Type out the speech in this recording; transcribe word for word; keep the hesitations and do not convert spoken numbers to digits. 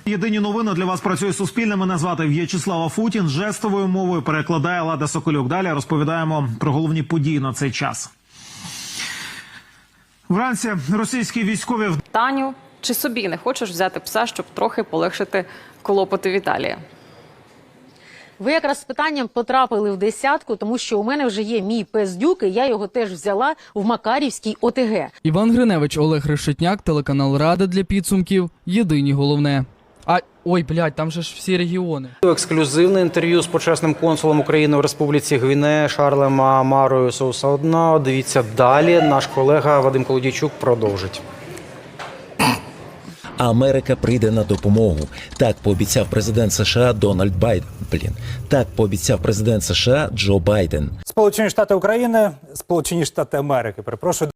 Єдині новини для вас працює Суспільне. Мене звати В'ячеслав Афутін. Жестовою мовою перекладає Лада Соколюк. Далі розповідаємо про головні події на цей час. Вранці російські військові... Таню, чи собі не хочеш взяти пса, щоб трохи полегшити клопоти Віталія? Ви якраз з питанням потрапили в десятку, тому що у мене вже є мій пес Дюк, і я його теж взяла в Макарівській О Те Ге. Іван Гриневич, Олег Решетняк, телеканал Рада для підсумків. Єдині головне. А, ой, блядь, там же ж всі регіони. Ексклюзивне інтерв'ю з почесним консулом України в Республіці Гвінея Шарлем Амарою Соусаодна. Дивіться далі. Наш колега Вадим Колодійчук продовжить. Америка прийде на допомогу. Так пообіцяв президент США Дональд Байден. Блін. Так пообіцяв президент США Джо Байден. Сполучені Штати України, Сполучені Штати Америки, перепрошую.